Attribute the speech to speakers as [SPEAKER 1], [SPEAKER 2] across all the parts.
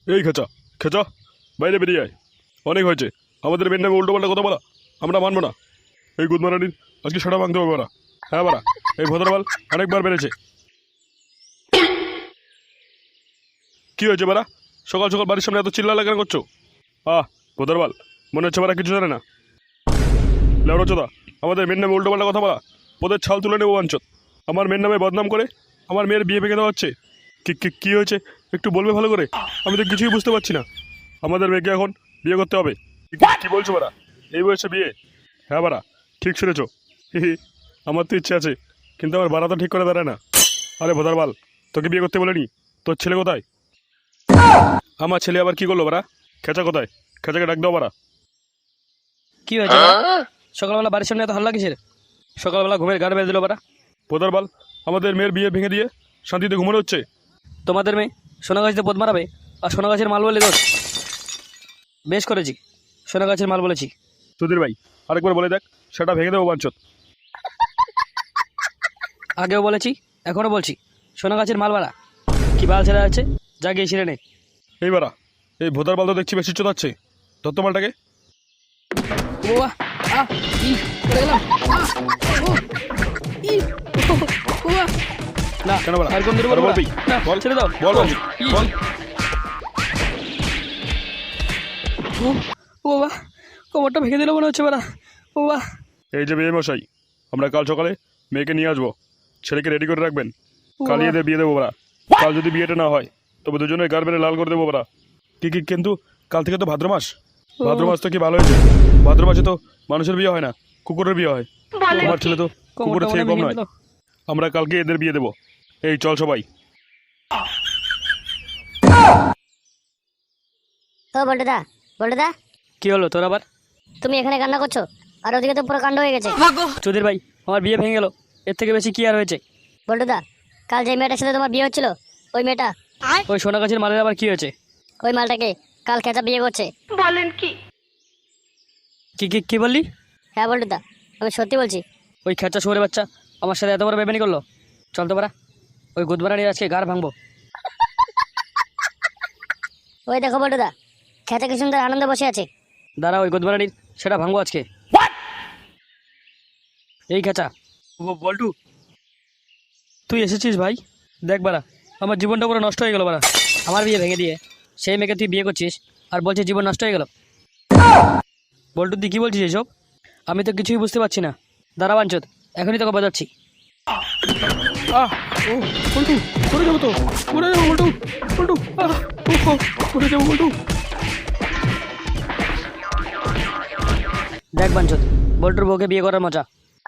[SPEAKER 1] এই খেচা খেচা, বাইরে বেরিয়ে আয়। অনেক হয়েছে, আমাদের মেয়ের নামে উল্টোপাল্টা কথা বলা আমরা মানবো না। এই গুদমারানির আজকে সেটা ভাঙতে হবে ওরা। হ্যাঁ বারা, এই ভদ্রবাল অনেকবার বেড়েছে। কি হয়েছে বারা, সকাল সকাল বাড়ির সামনে এত চিল্লা লাগানো করছো? ভদ্রবাল, মনে হচ্ছে বারা কিছু জানে না। লেওড়াচোদা, আমাদের মেয়ের নামে উল্টোপাল্টা কথা বলা, ওদের ছাল তুলে নেবো বাঞ্চত। আমার মেয়ের নামে বদনাম করে আমার মেয়ের বিয়ে ভেঙে দেওয়া হচ্ছে। কি হয়েছে একটু বলবে ভালো করে? আমি তো কিছুই বুঝতে পারছি না। আমাদের মেয়েকে এখন বিয়ে করতে হবে। কি বলছো বারা, এই বয়সে বিয়ে? হ্যাঁ বারা, ঠিক শুনেছ। আমার তো ইচ্ছে আছে, কিন্তু আমার বাড়া তো ঠিক করে দাঁড়ায় না। আরে ভোদারবাল, তোকে বিয়ে করতে বলেনি? তোর ছেলে কোথায়? আমার ছেলে আবার কি করলো বারা? খেচা কোথায়? খেচাকে ডাক দাও বারা।
[SPEAKER 2] কি হয়েছে বাড়া? সকালবেলা বাড়ির সামনে এত হাল্লা কিসের? সকালবেলা ঘুমের গাড় বেঁধে দিল বাড়া।
[SPEAKER 1] ভোদারবাল, আমাদের মেয়ের বিয়ে ভেঙে দিয়ে শান্তিতে ঘুমানো হচ্ছে।
[SPEAKER 2] তোমাদের মেয়ে সোনাগাছিতে পদ মারাবে আর সোনাগাছের মাল বলে দোষ? বেশ করেছি, সোনাগাছের মাল বলেছি।
[SPEAKER 1] সুধীর ভাই, আরেকবার বলে দেখ, সেটা ভেঙে দেবো বাঞ্চত।
[SPEAKER 2] আগেও বলেছি, এখনও বলছি, সোনাগাছের মাল বাড়া। কি বাল ছেড়ে আছে, যা গিয়ে ছিঁড়ে নে।
[SPEAKER 1] এই বারা, এই ভোদারবাল তো দেখছি বেশি চোদাচ্ছে। ধরতো মালটাকে।
[SPEAKER 2] ও বাবা, ই পড়ে গেলাম। ও বাবা। না
[SPEAKER 1] কেন বাড়া?
[SPEAKER 2] আর কোন দূরে
[SPEAKER 1] আরে
[SPEAKER 2] বলবো
[SPEAKER 1] বলবি?
[SPEAKER 2] না,
[SPEAKER 1] বল।
[SPEAKER 2] ছেড়ে দাও।
[SPEAKER 1] বল বলবি? বল।
[SPEAKER 2] ও বাবা, কোমরটা ভেঙে দিল মনে হচ্ছে বাড়া। ও বাবা।
[SPEAKER 1] এই যে বিয়ে মশাই, আমরা কাল সকালে মেয়েকে নিয়ে আসবো। ছেলেকে রেডি করে রাখবেন। কাল এদের বিয়ে দেবো ওরা। কাল যদি বিয়েটা না হয় তবে দুজনে গার বেড়ে লাল করে দেবো ওরা। কিন্তু কাল থেকে তো ভাদ্র মাস। ভাদ্র মাস তো কি ভালো হয়েছে? ভাদ্র মাসে তো মানুষের বিয়ে হয় না, কুকুরের বিয়ে হয়। আমার ছেলে তো কুকুরের থেকে কম নয়। আমরা কালকে এদের বিয়ে দেবো। এই চল সবাই।
[SPEAKER 3] ও বল্টুদা, বল্টুদা,
[SPEAKER 2] কি হলো তোর আবার?
[SPEAKER 3] তুমি এখানে কান্না করছো, আর ওদিকে তো পুরো কাণ্ড হয়ে গেছে।
[SPEAKER 2] চৌধুরী ভাই, আমার বিয়ে ভেঙে গেল, এর থেকে বেশি কি আর হয়েছে?
[SPEAKER 3] বল্টুদা, কাল যে মেয়েটার সাথে তোমার বিয়ে হচ্ছিল, ওই মেয়েটা,
[SPEAKER 2] ওই সোনাগাছির মালের আবার কি হয়েছে?
[SPEAKER 3] ওই মালটাকে কাল খেচা বিয়ে করছে।
[SPEAKER 2] কি কি কি বললি?
[SPEAKER 3] হ্যাঁ বল্টুদা, আমি সত্যি বলছি।
[SPEAKER 2] ওই খেচা শুয়োরের বাচ্চা আমার সাথে এত বড় বেমানি করলো। চল তো পারা, ওই গুদমারানির আজকে গাড় ভাঙবো।
[SPEAKER 3] ওই দেখো বল্টুদা, খেচা কি সুন্দর আনন্দে বসে আছে।
[SPEAKER 2] দাঁড়া, ওই গুদমারানির সেটা ভাঙবো আজকে। এই খেচা, বল্টু, তুই এসেছিস ভাই? দেখ বারা, আমার জীবনটা পুরো নষ্ট হয়ে গেল বারা। আমার বিয়ে ভেঙে দিয়ে সেই মেয়েকে তুই বিয়ে করছিস আর বলছিস জীবন নষ্ট হয়ে গেল। বল্টু, তুই কী বলছিস এসব? আমি তো কিছুই বুঝতে পারছি না। দাঁড়া বাঞ্চত, এখনই তোকে বাজাচ্ছি।
[SPEAKER 1] ও বল্টু, পড়ে যাবো তো, পড়ে যাবো বল্টু, বল্টু, পড়ে যাবো বল্টু।
[SPEAKER 2] দেখ বাঞ্চত, বল্টুর বউকে বিয়ে করার মজা।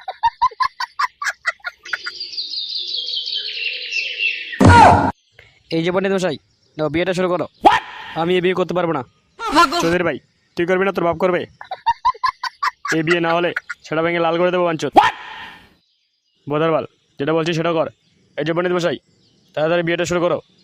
[SPEAKER 2] এই যে পণ্ডিত মশাই, নাও বিয়েটা শুরু করো। আমি এই বিয়ে করতে পারবো না। চৌধুরী ভাই, তুই করবি না তোর বাপ করবে? এই বিয়ে না হলে সেটা ভেঙে লাল করে দেবো বাঞ্চত। বোধারবাল, যেটা বলছি সেটা কর। এই যে পণ্ডিত মশাই, তাড়াতাড়ি বিয়েটা শুরু করো।